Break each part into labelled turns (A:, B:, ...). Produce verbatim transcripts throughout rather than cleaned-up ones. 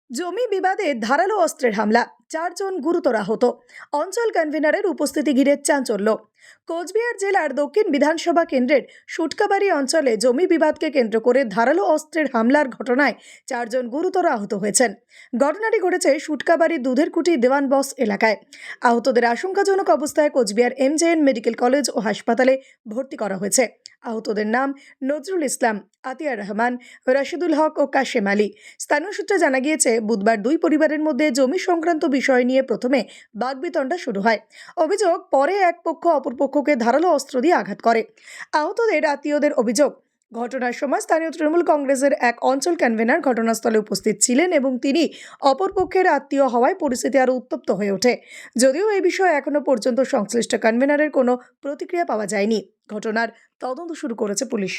A: জমি বিবাদে ধারালো অস্ত্রের হামলা, চারজন গুরুতর আহত। অঞ্চল কনভেনারের উপস্থিতি ঘিরে চাঞ্চল্য। কোচবিহার জেলার দক্ষিণ বিধানসভা কেন্দ্রের সুটকাবাড়ি অঞ্চলে জমি বিবাদকে কেন্দ্র করে ধারালো অস্ত্রের হামলার ঘটনায় চারজন গুরুতর আহত হয়েছেন। ঘটনাটি ঘটেছে সুটকাবাড়ির দুধের কুটি দেওয়ান বস এলাকায়। আহতদের আশঙ্কাজনক অবস্থায় কোচবিহার এমজেএন মেডিকেল কলেজ ও হাসপাতালে ভর্তি করা হয়েছে। আহতদের নাম নজরুল ইসলাম, আতিয়ার রহমান, রাশিদুল হক ও কাশেম আলী। স্থানীয় সূত্রে জানা গিয়েছে, বুধবার দুই পরিবারের মধ্যে জমি সংক্রান্ত বিষয় নিয়ে প্রথমে বাগবিতণ্ডা শুরু হয়। অভিযোগ, পরে এক পক্ষ অপর পক্ষকে ধারালো অস্ত্র দিয়ে আঘাত করে। আহতদের আত্মীয়দের অভিযোগ, ঘটনার সময় স্থানীয় তৃণমূল কংগ্রেসের এক অঞ্চল কনভেনার ঘটনাস্থলে উপস্থিত ছিলেন এবং তিনি অপর পক্ষের আত্মীয় হওয়ায় পরিস্থিতি আরও উত্তপ্ত হয়ে ওঠে। যদিও এই বিষয়ে এখনো পর্যন্ত সংশ্লিষ্ট কনভেনারের কোনো প্রতিক্রিয়া পাওয়া যায়নি। ঘটনার তদন্ত শুরু করেছে পুলিশ।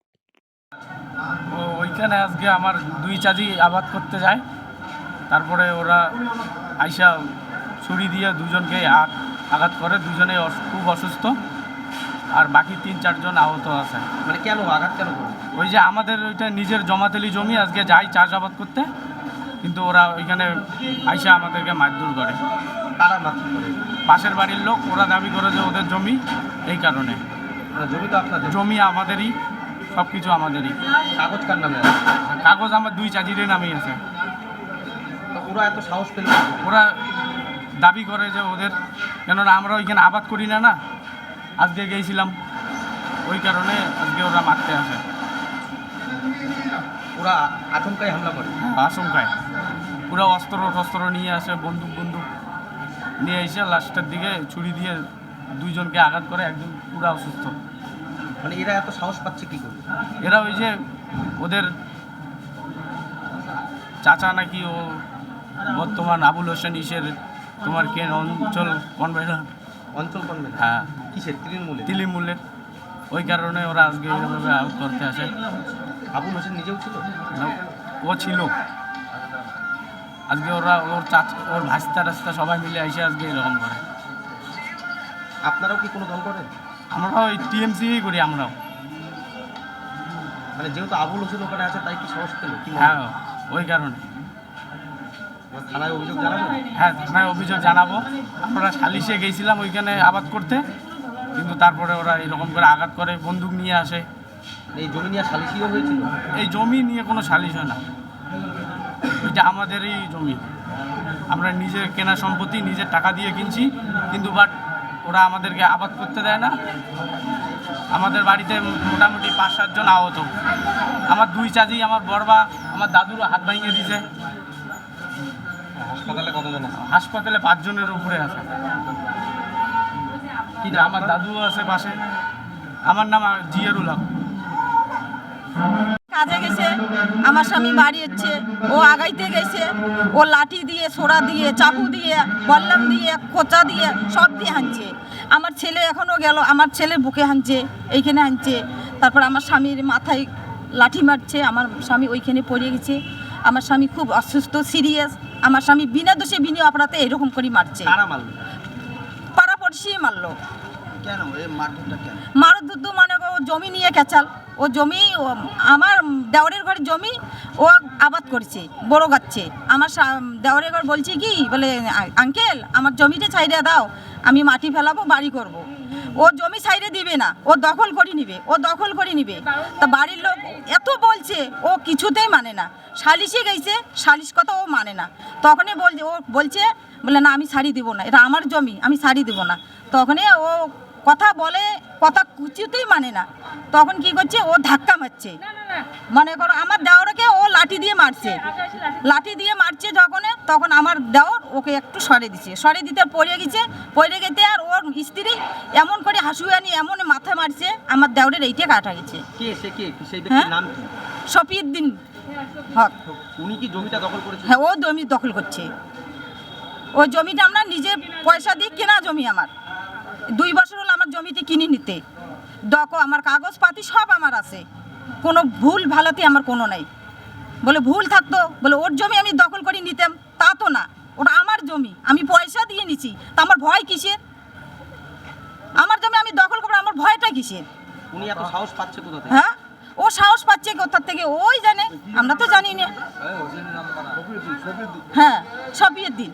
B: ও ওইখানে আজকে আমার দুই চাচি আবাদ করতে যায়, তারপরে ওরা আইসা ছুরি দিয়ে দুজনকে আ- আঘাত করে। দুজনে অস- খুব অসুস্থ, আর বাকি তিন চারজন আহত আছে।
C: মানে কেন আঘাত কেন করে?
B: ওই যে আমাদের ওইটা নিজের জমাতেলি জমি, আজকে যাই চাষাবাদ করতে, কিন্তু ওরা ওইখানে আইসা আমাদেরকে মারধর করে।
C: তারা মারধর করে?
B: পাশের বাড়ির লোক, ওরা দাবি করে যে ওদের জমি, এই কারণে।
C: মানে জমি তো আপনাদের?
B: জমি আমাদেরই, সব কিছু আমাদেরই।
C: কাগজ কার নামে আছে?
B: কাগজ আমার দুই চাচিদের নামেই আছে।
C: তো ওরা এত সাহস পেল?
B: ওরা দাবি করে যে ওদের, কেননা আমরা ওইখানে আবাদ করি না না, আজকে গিয়েছিলাম, ওই কারণে আজকে ওরা মারতে আসে।
C: ওরা আচমকাই হামলা করে?
B: আশঙ্কায় পুরো অস্ত্র টস্ত্র নিয়ে আসে, বন্দুক বন্দুক নিয়ে এসে লাস্টের দিকে ছুরি দিয়ে দুইজনকে আঘাত করে, একজন পুরো অসুস্থ।
C: মানে এরা এত সাহস পাচ্ছে কি করে?
B: এরা ওই যে ওদের চাচা নাকি ও বর্তমান আবুল হোসেন ইসের তোমার কেন অঞ্চল কনভেনার,
C: অঞ্চল করবে?
B: হ্যাঁ,
C: কিসের? তৃণমূলে?
B: তিলিমূলের। ওই কারণে ওরা আজকে এইভাবে আউট করতে আসে।
C: আবুল হোসেন নিজেও ছিল?
B: না, ও ছিল। আজকে ওরা ওর চাচ ওর ভাস্তা রাস্তা সবাই মিলে এসে আজকে এরকম করে।
C: আপনারাও কি কোনো দল করেন?
B: আমরাও ওই টিএমসিই করি আমরাও।
C: মানে যেহেতু আবুল হোসেন ওখানে আছে তাই কি সাহস পেল? কি মনে
B: হ্যাঁ,
C: হয়?
B: ওই কারণে।
C: থানায় অভিযোগ জানাবেন?
B: হ্যাঁ, থানায় অভিযোগ জানাবো। আমরা সালিশে গেছিলাম ওইখানে আবাদ করতে, কিন্তু তারপরে ওরা এরকম করে আঘাত করে, বন্দুক নিয়ে আসে।
C: এই জমি নিয়ে সালিশিও হয়েছিল?
B: এই জমি নিয়ে কোনো সালিশ হয় না, এটা আমাদেরই জমি। আমরা নিজের কেনা সম্পত্তি, নিজের টাকা দিয়ে কিনছি, কিন্তু বাট ওরা আমাদেরকে আবাদ করতে দেয় না। আমাদের বাড়িতে মোটামুটি পাঁচ সাতজন আহত। আমার দুই চাচি, আমার বড়বা, আমার দাদুর হাত ভাঙিয়ে দিয়েছে।
C: হাসপাতালে কতজন আছে?
B: হাসপাতালে পাঁচজনের উপরে আছে।
C: কি
B: কিন্তু আমার দাদুও আছে পাশে। আমার নাম জিয়ারুল হক।
D: কাজে গেছে, আমার স্বামী বাড়ি হচ্ছে, ও আগাইতে গেছে, ও লাঠি দিয়ে, সোড়া দিয়ে, চাকু দিয়ে, বল্লাম দিয়ে, কোচা দিয়ে, সব দিয়ে হানছে। আমার ছেলে এখনও গেল, আমার ছেলের বুকে হানছে, এইখানে হানছে। তারপর আমার স্বামীর মাথায় লাঠি মারছে, আমার স্বামী ওইখানে পড়ে গেছে। আমার স্বামী খুব অসুস্থ, সিরিয়াস। আমার স্বামী বিনা দোষে বিনা অপরাধে এরকম করে মারছে।
C: কারা মারল?
D: পাড়া পড়শি মারলো।
C: কেন এই মারধরটা কেন?
D: মারো দুধু মানে ও জমি নিয়ে কেচাল। ও জমি ও- আমার দেওরের ঘরে জমি ও আবাদ করছে, বড় গাচ্ছে। আমার সা- দেওরের ঘর বলছে কি বলে, "আ- আঙ্কেল আমার জমিটা ছাইড়ে দাও, আমি মাটি ফেলাবো, বাড়ি করব।" ও জমি ছাইড়ে দিবে না, ও দখল করে নিবে, ও দখল করে নিবে। তা বাড়ির লোক এত বলছে, ও কিছুতেই মানে না। সালিশে গেছে, সালিশ কথা ও মানে না। তখনই বলছে, ও বলছে বলে, না আমি শাড়ি দেবো না, এটা আমার জমি, আমি শাড়ি দেবো না। তখনই ও কথা বলে, কথা কিছুতেই মানে না। তখন কি করছে, ও ধাক্কা মারছে। মনে করো আমার দেওরকে ও লাঠি দিয়ে মারছে, লাঠি দিয়ে মারছে যখন, তখন আমার দেওর ওকে একটু সরে দিছে, সরে দিতে পড়ে গেছে। পড়ে গেতে আর ওর স্ত্রী এমন করে হাসুয়ানি এমন মাথা মারছে, আমার দেওরের এইটা কাটা গেছে।
C: কে সে? কে সেই
D: হ্যাঁ?
C: ব্যক্তির নাম কি?
D: শফিউদ্দিন হক।
C: উনি কি জমিটা দখল করেছেন?
D: হ্যাঁ, ও জমি দখল করছে। ওই জমিটা আমরা নিজে পয়সা দিয়ে কেনা জমি। আমার দুই বছর হলো আমার জমিতে কিনে নিতে। দেখো আমার কাগজপাতি সব আমার আছে, কোনো ভুল ভালোতে আমার কোনো নাই। বলে ভুল থাকতো, বলে ওর জমি আমি দখল করে নিতাম, তা তো না, ওটা আমার জমি, আমি পয়সা দিয়ে নিছি, তা আমার ভয় কিসের? আমার জমি আমি দখল করবো, আমার ভয়টা কিসের?
C: উনি এত সাহস পাচ্ছে কোথা থেকে?
D: হ্যাঁ, ও সাহস পাচ্ছে কোথার থেকে ওই জানে, আমরা তো জানি না। হ্যাঁ, সবিয়ের দিন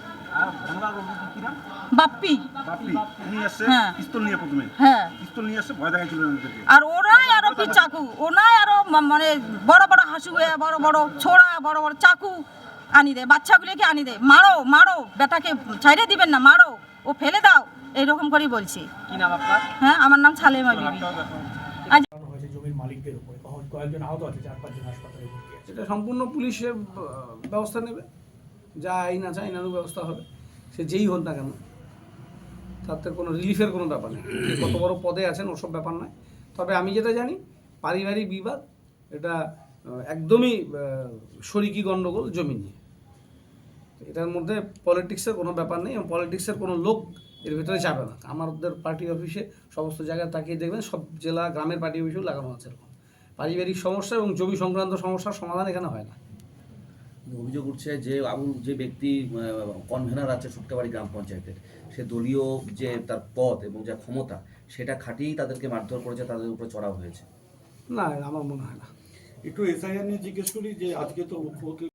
D: বাপ্পি।
E: বাপি উনি আসছে
D: হ্যাঁ।
E: পিস্তল নিয়ে প্রথমে
D: হ্যাঁ,
E: পিস্তল নিয়ে আসছে ভয় দেখাচ্ছিল ওদেরকে।
D: আর ওরাই আরো কি চাকু, ওনাই আরো মা- মানে বড় বড় হাসুয়া, বড় বড় ছোড়া, বড় বড় চাকু আনি দেয়, বাচ্চাগুলোকে আনি দেয়, মারো মারো বেটাকে ছাইড়ে দিবেন না, মারো, ও ফেলে দাও, এইরকম করেই বলছি।
C: কি নাম আপনার?
D: হ্যাঁ, আমার নাম সালেমা বিবি। আজ
F: চালানো হয়েছে জমির মালিকদের উপরে, কখন- কয়েকজন আহত আছে, চার পাঁচজন হাসপাতালে ভর্তি আছে।
G: এটা সম্পূর্ণ পুলিশের আহ, ব্যবস্থা নেবে, যা আইন আছে আইনানুগ ব্যবস্থা হবে, সে যেই হোক না কেন, তাতে কোনো রিলিফের কোনো ব্যাপার নেই। কে কত বড় পদে আছেন ওসব ব্যাপার নয়। তবে আমি যেটা জানি পারিবারিক বিবাদ, এটা আহ, একদমই আহ, শরিকি গণ্ডগোল জমি নিয়ে। তো এটার মধ্যে পলিটিক্সের কোনো ব্যাপার নেই এবং পলিটিক্সের কোনো লোক এর ভিতরে যাবে না। আমাদের পার্টি অফিসে সমস্ত জায়গায় তাকিয়ে দেখবেন, সব জেলা গ্রামের পার্টি অফিসেও লাগানো আছে এরকম। পারিবারিক সমস্যা এবং জমি সংক্রান্ত সমস্যার সমাধান এখানে হয় না।
H: অভিযোগ উঠছে যে আবুল যে ব্যক্তি কনভেনার আছে সুটকাবাড়ি গ্রাম পঞ্চায়েতের, সে দলীয় যে তার পদ এবং যা ক্ষমতা সেটা খাটিয়েই তাদেরকে মারধর করেছে, তাদের উপরে চড়াও হয়েছে।
G: না, আমার মনে হয় না।
E: একটু এসআইআর নিয়ে জিজ্ঞেস করি যে আজকে তো মুখ্যমন্ত্রী